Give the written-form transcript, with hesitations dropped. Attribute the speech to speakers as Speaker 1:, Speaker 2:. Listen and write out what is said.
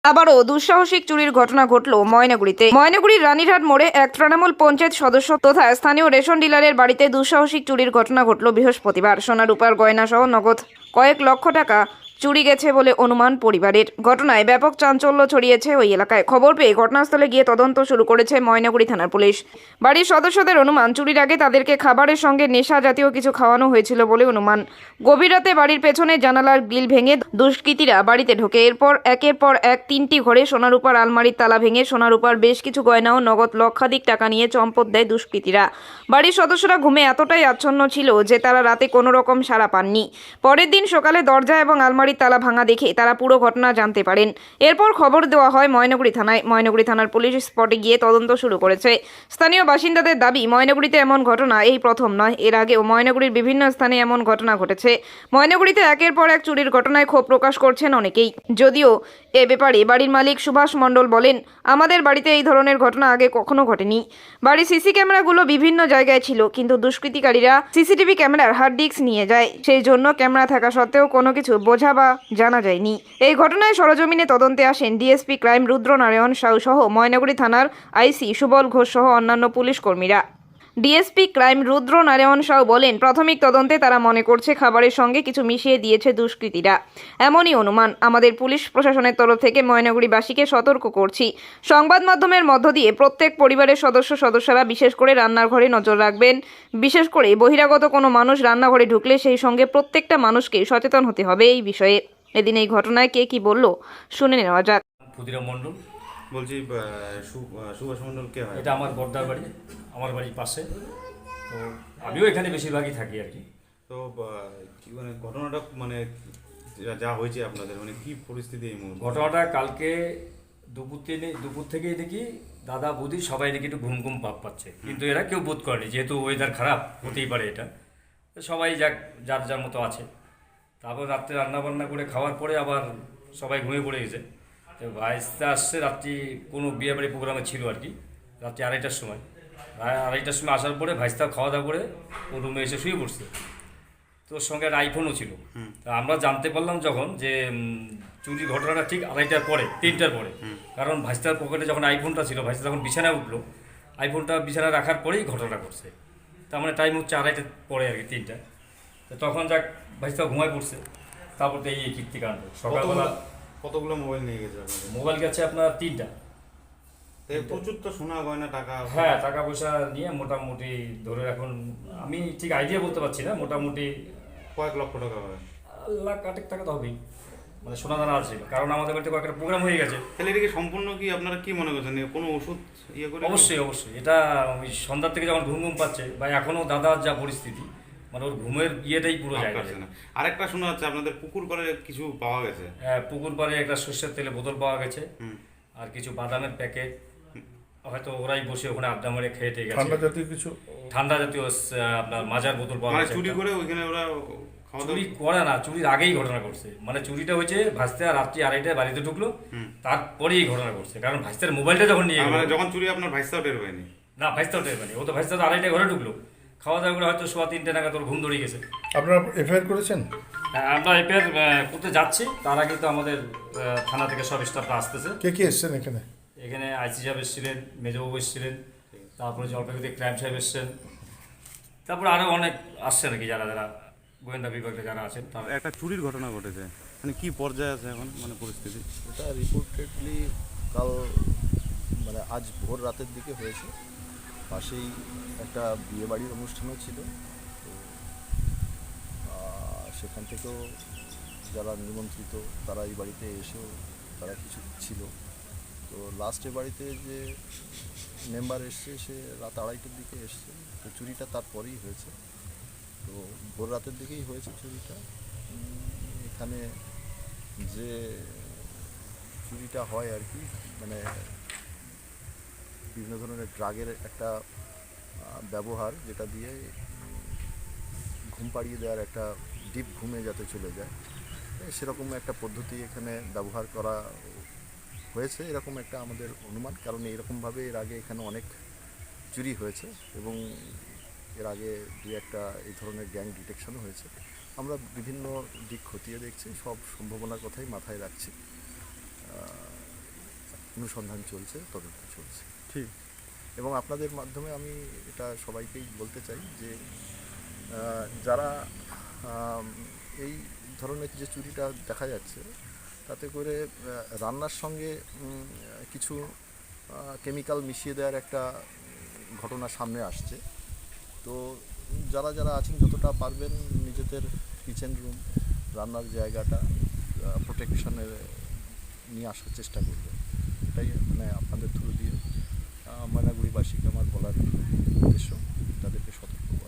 Speaker 1: আবারও দুঃসাহসিক চুরির ঘটনা ঘটল ময়নাগুড়িতে। ময়নাগুড়ির রানীরহাট মোড়ে এক তৃণমূল পঞ্চায়েত সদস্য তথা স্থানীয় রেশন ডিলারের বাড়িতে দুঃসাহসিক চুরির ঘটনা ঘটল বৃহস্পতিবার। সোনা রূপার গয়না সহ নগদ কয়েক লক্ষ টাকা চুরি গেছে বলে অনুমান পরিবারের। ঘটনায় ব্যাপক চাঞ্চল্য ছড়িয়েছে ওই এলাকায়। খবর পেয়ে ঘটনাস্থলে গিয়ে তদন্ত শুরু করেছে ময়নাগুড়ি থানার পুলিশ। বাড়ির সদস্যদের অনুমান, চুরির আগে তাদেরকে খাবারের সঙ্গে নেশা জাতীয় কিছু খাওয়ানো হয়েছিল বলে অনুমান। গভীর রাতে বাড়ির পেছনে জানালার গ্রিল ভেঙে দুষ্কৃতীরা বাড়িতে ঢোকে। এরপর একের পর এক 3টি ঘরে সোনারূপার আলমারির তালা ভেঙে সোনারূপার বেশ কিছু গয়না ও নগদ লক্ষাধিক টাকা নিয়ে চম্পট দেয় দুষ্কৃতীরা। বাড়ির সদস্যরা ঘুমে এতটাই আচ্ছন্ন ছিল যে তারা রাতে কোনো রকম সাড়া পাননি। পরের দিন সকালে দরজা এবং আলমারির তালা ভাঙা দেখে তারা পুরো ঘটনা জানতে পারেন। এরপর খবর দেওয়া হয় ময়নাগুড়ি থানায়। ময়নাগুড়ি থানার পুলিশ স্পটে গিয়ে তদন্ত শুরু করেছে। স্থানীয় বাসিন্দাদের দাবি, ময়নাগুড়িতে এমন ঘটনা এই প্রথম নয়, এর আগেও ময়নাগুড়ির বিভিন্ন স্থানে এমন ঘটনা ঘটেছে। ময়নাগুড়িতে একের পর এক চুরির ঘটনায় ক্ষোভ প্রকাশ করছেন অনেকেই। যদিও এ ব্যাপারে বাড়ির মালিক সুভাষ মণ্ডল বলেন, আমাদের বাড়িতে এই ধরনের ঘটনা আগে কখনো ঘটেনি। বাড়ির সিসি ক্যামেরাগুলো বিভিন্ন জায়গায় ছিল, কিন্তু দুষ্কৃতিকারীরা সিসিটিভি ক্যামেরার হার্ড ডিস্ক নিয়ে যায়। সেই জন্য ক্যামেরা থাকা সত্ত্বেও কোনো কিছু বোঝা বা জানা যায়নি। এই ঘটনায় সরজমিনে তদন্তে আসেন ডিএসপি ক্রাইম রুদ্রনারায়ণ সাউ সহ ময়নাগুড়ি থানার আইসি সুবল ঘোষ সহ অন্যান্য পুলিশ কর্মীরা। ডিএসপি ক্রাইম রুদ্রনারায়ণ সাউ বলেন, প্রাথমিক তদন্তে তারা মনে করছে খাবারের সঙ্গে কিছু মিশিয়ে দিয়েছে দুষ্কৃতীরা। এমনই অনুমান। আমাদের পুলিশ প্রশাসনের তরফ থেকে ময়নাগুড়িবাসীকে সতর্ক করছি, সংবাদ মাধ্যমের মধ্য দিয়ে প্রত্যেক পরিবারের সদস্যরা বিশেষ করে রান্নার ঘরে নজর রাখবেন। বিশেষ করে বহিরাগত কোনো মানুষ রান্নাঘরে ঢুকলে সেই সঙ্গে প্রত্যেকটা মানুষকে সচেতন হতে হবে এই বিষয়ে। এদিন এই ঘটনায় কে কি বলল শুনে নেওয়া যাক।
Speaker 2: ক্ষুদিরাম মণ্ডল
Speaker 3: বলছি, সুভাষ মণ্ডল কে হয়?
Speaker 2: এটা আমার বর্দার বাড়ি, আমার বাড়ির পাশে। তো আমিও এখানে বেশিরভাগই থাকি আর কি।
Speaker 3: তো কি মানে ঘটনাটা মানে যা হয়েছে আপনাদের, মানে কি পরিস্থিতি এই মুহূর্তে?
Speaker 2: ঘটনাটা কালকে দুপুর থেকেই দেখি দাদা বৌদি সবাই দেখি একটু ঘুম ঘুম ভাব পাচ্ছে, কিন্তু এরা কেউ বোধ করেনি, যেহেতু ওয়েদার খারাপ হতেই পারে এটা। তো সবাই যার যার মতো আছে। তারপর রাত্রে রান্নাবান্না করে খাওয়ার পরে আবার সবাই ঘুমিয়ে পড়ে গেছে। তো ভাইস্তা আসছে রাত্রি কোনো বিয়েবাড়ি প্রোগ্রামে ছিল আর কি, রাত্রি 2:30টার সময়। 2:30টার সময় আসার পরে ভাইস্তা খাওয়া দাওয়া করে ও রুমে এসে শুয়ে পড়ছে। তো ওর সঙ্গে একটা আইফোনও ছিল। তা আমরা জানতে পারলাম যখন যে চুরির ঘটনাটা ঠিক 2:30টার পরে, 3টার পরে। কারণ ভাইস্তার পকেটে যখন আইফোনটা ছিল, ভাইস্তা যখন বিছানায় উঠলো, আইফোনটা বিছানায় রাখার পরেই ঘটনাটা ঘটছে। তার মানে টাইম হচ্ছে 2:30টার পরে আর কি, 3টা। তো তখন যাক ভাইস্তা ঘুমায় পড়ছে। তারপর তো এই কীর্তিকাণ্ড। সকালবেলা
Speaker 3: কতগুলো মোবাইল নিয়ে গেছে আপনাদের?
Speaker 2: মোবাইল গেছে আপনার 3টা।
Speaker 3: প্রচুর তো সোনা গয়না টাকা।
Speaker 2: হ্যাঁ, টাকা পয়সা নিয়ে মোটামুটি ধরে রাখুন, আমি ঠিক আইডিয়া বলতে পারছি না, মোটামুটি
Speaker 3: কয়েক লক্ষ টাকা হয়।
Speaker 2: লাখ কাটেক টাকা তো হবেই, মানে সোনা দানা আছে। কারণ আমাদের বাড়িতে কয়েকটা প্রোগ্রাম হয়ে গেছে।
Speaker 3: তাহলে এটাকে সম্পূর্ণ কি আপনারা কি মনে করছেন, কোনো ওষুধ ইয়ে করে?
Speaker 2: অবশ্যই এটা ওই সন্ধ্যার থেকে যখন ঘুম ঘুম পাচ্ছে, বা এখনও দাদার যা পরিস্থিতি, মানে ওর ঘুমের ইয়েটাই পুরো জায়গা
Speaker 3: না। আরেকটা শোনা যাচ্ছে আপনাদের পুকুর পাড়ে কিছু পাওয়া গেছে।
Speaker 2: হ্যাঁ, পুকুর পাড়ে একটা সর্ষের তেলে বোতল পাওয়া গেছে, আর কিছু বাদামের প্যাকেট। হয়তো ওরাই বসে ওখানে আড্ডা মেরে খেয়ে গেছে। ঠান্ডা জাতীয় আপনার মাজার বোতল পাওয়া গেছে।
Speaker 3: চুরি করে ওইখানে ওরা
Speaker 2: চুরি করে না, চুরির আগেই ঘটনা ঘটছে। মানে চুরিটা হয়েছে ভাইস্তা রাত্রি 2:30টায় বাড়িতে ঢুকলো, তারপরেই ঘটনা ঘটছে। কারণ ভাইস্তার মোবাইলটা যখন নিয়ে গেল,
Speaker 3: যখন চুরি আপনার ভাইস্তাও টের পায়নি?
Speaker 2: না, ভাইস্তাও টের পায়নি। ও তো ভাইস্তা 2:30টায় ঘরে ঢুকলো, খাওয়া দাওয়া করে হয়তো 3:15 নাগাদ তোর ঘুম ধরে গেছে।
Speaker 4: আপনারা এফআইআর করেছেন?
Speaker 2: হ্যাঁ, আমরা এফআইআর করতে যাচ্ছি। তার আগে তো আমাদের থানা থেকে সব স্টাফরা আসতেছে।
Speaker 4: কে কে এসছেন এখানে?
Speaker 2: এখানে আইসি সাহেব এসেছিলেন, মেজবাবু এসেছিলেন, তারপরে জলপাইগুড়ি ক্রাইম সাহেব এসছেন, তারপরে আরও অনেক আসছে নাকি, যারা যারা গোয়েন্দা বিভাগে যারা আছেন। তারা
Speaker 3: একটা চুরির ঘটনা ঘটেছে, মানে কি পর্যায়ে আছে এখন মানে পরিস্থিতি?
Speaker 5: এটা রিপোর্টেডলি কাল মানে আজ ভোর রাতের দিকে হয়েছে। পাশেই একটা বিয়েবাড়ির অনুষ্ঠানও ছিল। তো সেখান থেকেও যারা নিমন্ত্রিত তারা এই বাড়িতে এসেও তারা কিছু ছিল। তো লাস্টে বাড়িতে যে মেম্বার এসছে সে রাত 2:30টার দিকে এসছে। তো চুরিটা তারপরেই হয়েছে। তো ভোর রাতের দিকেই হয়েছে চুরিটা। এখানে যে চুরিটা হয় আর কি, মানে বিভিন্ন ধরনের ড্রাগের একটা ব্যবহার, যেটা দিয়ে ঘুম পাড়িয়ে দেওয়ার, একটা ডিপ ঘুমে যাতে চলে যায়, সেরকম একটা পদ্ধতি এখানে ব্যবহার করা হয়েছে, এরকম একটা আমাদের অনুমান। কারণ এইরকমভাবে এর আগে এখানে অনেক চুরি হয়েছে এবং এর আগে 2-1টা এই ধরনের গ্যাং ডিটেকশনও হয়েছে। আমরা বিভিন্ন দিক খতিয়ে দেখছি, সব সম্ভাবনার কথাই মাথায় রাখছি। অনুসন্ধান চলছে, তদন্ত চলছে।
Speaker 3: ঠিক।
Speaker 5: এবং আপনাদের মাধ্যমে আমি এটা সবাইকেই বলতে চাই যে যারা এই ধরনের যে চুরিটা দেখা যাচ্ছে তাতে করে রান্নার সঙ্গে কিছু কেমিক্যাল মিশিয়ে দেওয়ার একটা ঘটনা সামনে আসছে। তো যারা যারা আছেন যতটা পারবেন নিজেদের কিচেন রুম, রান্নার জায়গাটা প্রোটেকশনের নিয়ে আসার চেষ্টা করবেন। এটাই মানে আপনাদের থ্রু দিয়ে ময়নাগুড়িবাসীকে আমার বলার উদ্দেশ্য, তাদেরকে সতর্ক